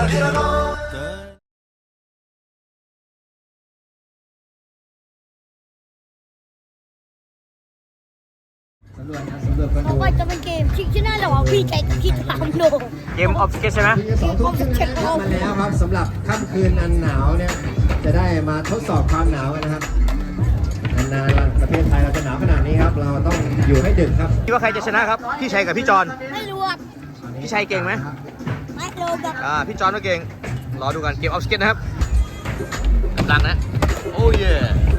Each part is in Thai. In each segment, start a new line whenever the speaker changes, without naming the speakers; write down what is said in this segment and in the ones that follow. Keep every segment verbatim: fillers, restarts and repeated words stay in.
สำรวจนะสำรวจกัน
เพ
ดู
ราะว่าจะเป็นเกมชิงชนะระหว่างพี่ใจกับพี่ตามโด
เกมออฟสเก็ตใช่ไหม
สองทุ่มครึ่งนะครับมาแล้วครับสำหรับค่ำคืนอันหนาวเนี่ยจะได้มาทดสอบความหนาวกันนะครับนานๆประเทศไทยเราจะหนาวขนาดนี้ครับเราต้องอยู่ให้ดึกครับ
คิดว่าใครจะชนะครับพี่ชัยกับพี่จอน
ไม่รู้ครับ
พี่ชัยเก่งไหม
ไม่รู้ครับ
อ่าพี่จอนก็เก่งรอดูกันเกมออฟสเก็ตนะครับกำลังนะโอ้ย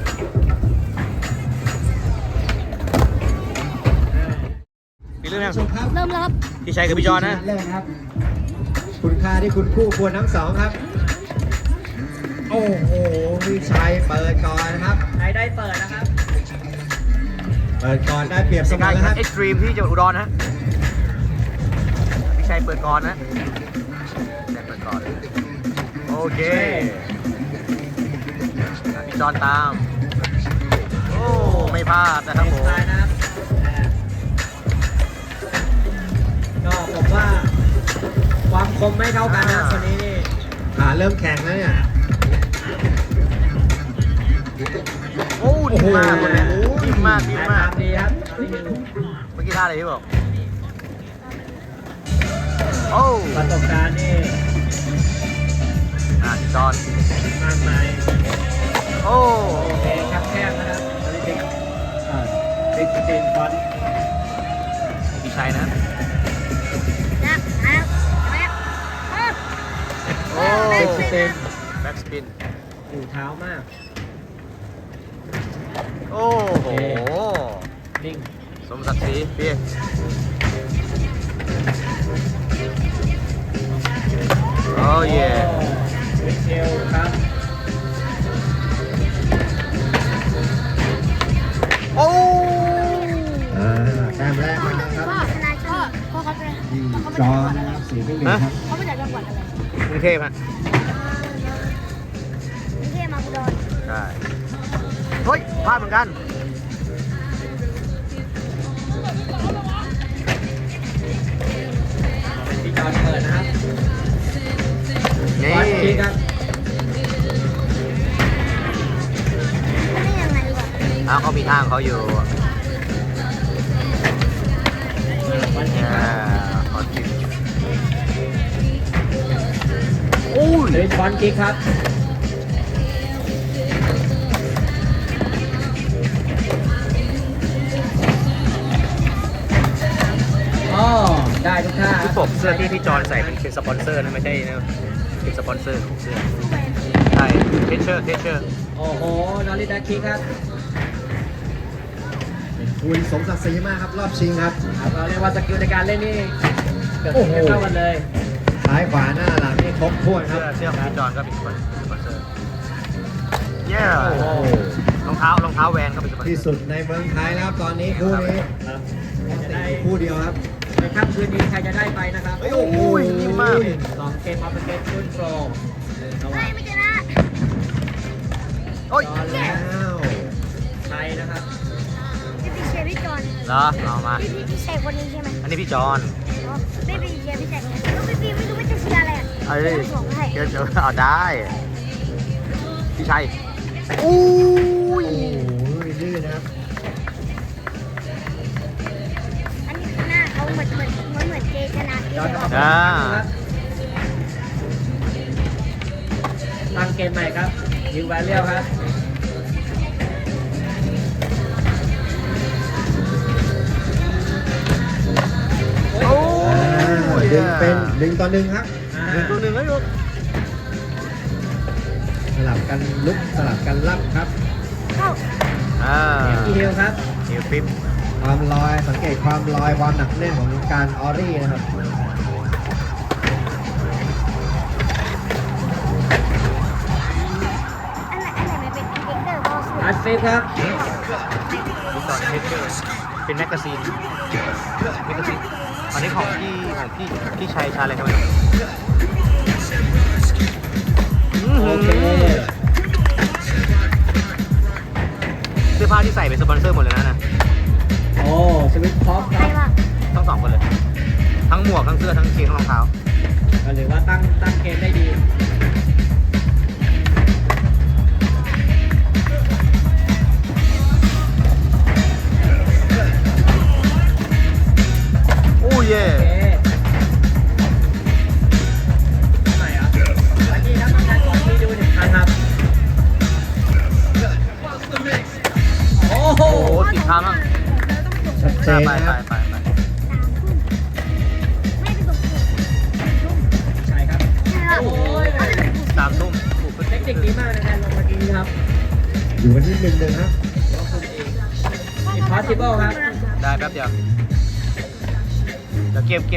มีเรื่องยัง
ชมครับ
เริ่มแล้วครับ
พี่ชัยกับพี่จอนนะ
แรกครับคุณค่าที่คุณคู่ควรทั้งสองครับโอ้โหพี่ชัยเปิดก่อนนะครับ
ใครได้เปิดนะครับ
เปิดก่อนได้เปรียบเส
เป็น
ม
การ
อ
แข่ง
ค
ขั
รั
น
บ
เอ็กซ์ตรีมที่จังหวัดอุดรนะพี่ชัยเปิดก่อนนะพี่ชัยเปิดก่อนโอเคพี่จอนตามโอ้ไม่พลาดนะครับผม
ตายนะครับก็ผมว่าความคมไม่เท่ากันนะคนนี้นี่
ขาเริ่มแข็งแล้วเนี่ย
โอ้ดีมากคนนี้ดีมากดี
แอ
มาก
บดีครับ
เมื่อกี้ท่าอะไรพี่บอกโอ้
ประสบการณ์นี่
อ่ะจอน
มากมาย
โอ้
โอเคครับแคบนะครับตอนนี้บิ๊กเอ่อบิ๊กสเตนฟอนต์
พี่ชัยนะ
นะนะแม่เออ
โอ้
บิ๊กสเตน
แบ็กสปิน
อยู่เท้ามาก
โอ้โห
นิ่ง
สมศักดิ์ศรีพี่โอ้เย่
วิเชลครับ
โอ้
อ่าแต้มแรกมาครับ
พ่อชนะพ่อพ่อเขาเป็น
ยิง
เขา
จ
มา
อ
จากจังหวัดอะไร
นะครับสีไม่เหลืองครับ
เขามาจากจังหวัดอะไร
กรุงเทพฮะ
กรุงเทพมาอุดร
ใช่เฮ้ยพลาดเหมือนกัน
เป็นพี่จอนเปิดนะครับ
นี่
ฟอนต์คิกครับ
ไม่ได้ยังไงวะ
อ้าวเขามีทางเขาอยู่
ฟอนต์คิก
อ่า
ครับ
เขาจิบโอ้ย
เป็นฟอนต์คิกครับอ๋อได้ทุกท่า
พี่ปกเสื้อที่พี่จอนใส่เป็นเป็นสปอนเซอร์นะไม่ใช่นะเป็นสปอนเซอร์ของเสื้อใช่เทเชอร์เทเชอร์
โอ้โหนอริดาคิกครับ
คุยสมศักดิ์ศรีมากครับรอบชิงครับ
ครับเราเรียกว่าสกิลในการเล่นนี่เกือบ
โอ้โห
จะเท่ากันเลย
ซ้ายขวาหน้าหลังนี่ครบถ้วนค
เสื้
รั
อบ เสื้อของพี่จอนก็เป็นสปอนเซอร์เย้
โอ้โห
รองเท้ารองเท้าแวนก็เป็นสปอนเซอร์
ที่สุดในเมืองไทยแล้วครับตอนนี้คู่นี้
ครับจะ
ติ
ได้
ดคู่เดียวครับ
ในค่ำคืนนี้ใครจะได้ไปนะครับ
โอ้โห
นิ่มมาก
สองเกมออฟเกมรุ่นโปรระห
ไม่
ว่าง
ไม่ชนะ
โอ้ย
จอนและ
แล้ว
ชัยนะครับ
พี่พี่เชียร์พี่จอน
เหรอเอามา
พี่พี่พี่เชียร์คนนี้ใช่ไหม
อันนี้พี่จอน
อ๋อไม่พี่เชียร์พี่แจ็คแล้วพี่พี่ไม่รู้ว่าจะเชียร์อะไรอ่ะ
เอ้ย
เดี๋ยวส่งให้
เดี๋ยวเดี๋ยวเอาได้ พี่ชัยอู้
โอ้
ย
โหดื้อนะครับ
อันนี้คือหน้าเขาเหมือนเหมือนเหมือนเหมือนเจชนะที่
จอน
เลย
ออก
อ่า
ครับตั้งเกมใหม่ครับยิวแวลเลียวครับ
โอ้
อ่าย ดึงเป็นหนึ่งต่อหนึ่งครับ
อ่า
หนึ่งตัวหนึ่งแล้วลูก
สลับกันลุกสลับกันรับครับ
เข้า
อ่า
อีฮิลครับ
นิวฟิป
ความลอยสังเกตความลอยความหนักแน่นของการออรี่นะครับ
อันไหนอันไหนมันเป็นเอ็กเตอร์ก็สวย
อัดฟิปครับ
พี่จอนเทเชอร์เป็นแมกกาซีนแมกกาซีนอันนี้ของพี่ของพี่พี่ชัยชาอะไรครับ
โอเค
เสื้อผ้าที่ใส่เป็นสปอนเซอร์หมดเลยนะนะ
โอ้สวิตพอปค
ใคร
รับ
ว่า
ทั้งสองคนเลย ทั้งหมวกทั้งเสื้อทั้งกางเกงทั้งรองเท้า
อ
ก็หรือว่าตั้งตั้งเกมได้ดี
โอ้เย่
โอเคทำไมอ่ะเมื่อกี้ครับทำการก่อนที่ดูหนึ่งครั้งครับ โอ้โห
โอ้โหติดทางมั่ง
ชัดเจน
ไป
นะ
ไป
ครับ
ไปไป
สามทุ่มไม่ไปส่งครู
ใช่ครับ
ใช่ครับ
โอ้ย
เขาจะไปส่งครู
สามทุ่มถูก
เทคนิคดีมากในการลงเมื่อกี้ครับ
อยู่กันที่หนึ่งหนึ่งครับ
Impossible ครับ
ได้แป๊บเดียวเดี๋ยวเกมเกม